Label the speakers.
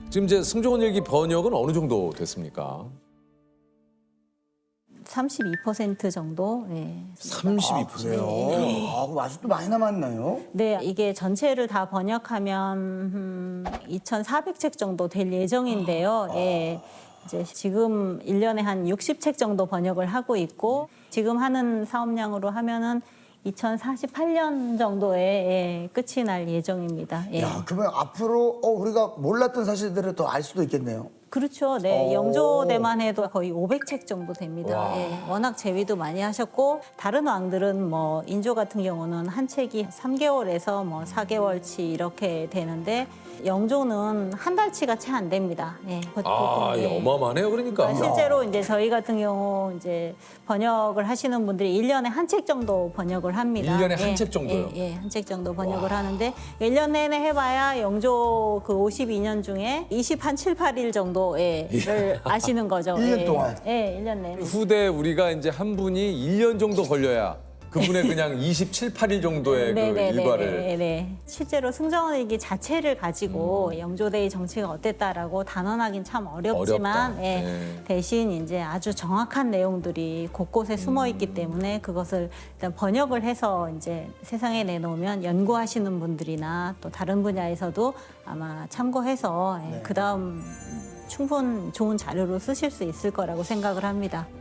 Speaker 1: 지금 이제 승조원 일기 번역은 어느 정도 됐습니까?
Speaker 2: 32% 정도. 네.
Speaker 1: 32%.
Speaker 3: 그래요? 그럼 아직도 많이 남았나요?
Speaker 2: 네, 이게 전체를 다 번역하면 2,400책 정도 될 예정인데요. 예. 이제 지금 1년에 한 60책 정도 번역을 하고 있고 지금 하는 사업량으로 하면은 2048년 정도에 끝이 날 예정입니다. 예.
Speaker 3: 야, 그러면 앞으로 우리가 몰랐던 사실들을 더 알 수도 있겠네요.
Speaker 2: 그렇죠. 네, 영조대만 해도 거의 500책 정도 됩니다. 예, 워낙 재위도 많이 하셨고 다른 왕들은 뭐 인조 같은 경우는 한 책이 3개월에서 뭐 4개월치 이렇게 되는데 영조는 한 달치가 채 안 됩니다. 예,
Speaker 1: 아,
Speaker 2: 예.
Speaker 1: 어마어마하네요. 그러니까.
Speaker 2: 실제로 이제 저희 같은 경우 이제 번역을 하시는 분들이 1년에 한 책 정도 번역을 합니다.
Speaker 1: 1년에 한 책 정도요?
Speaker 2: 예, 한 책 정도 번역을 하는데 1년 내내 해봐야 영조 그 52년 중에 7, 8일 정도를 아시는 거죠.
Speaker 3: 1년 동안?
Speaker 2: 예, 1년 내내.
Speaker 1: 후대 우리가 이제 한 분이 1년 정도 걸려야 그분의 그냥 27, 8일 정도의 그 일과를.
Speaker 2: 네. 실제로 승정원 일기 자체를 가지고 영조대의 정치가 어땠다라고 단언하긴 참 어렵지만
Speaker 1: 어렵다.
Speaker 2: 예,
Speaker 1: 네.
Speaker 2: 대신 이제 아주 정확한 내용들이 곳곳에 숨어 있기 때문에 그것을 일단 번역을 해서 이제 세상에 내놓으면 연구하시는 분들이나 또 다른 분야에서도 아마 참고해서 그 다음 충분 좋은 자료로 쓰실 수 있을 거라고 생각을 합니다.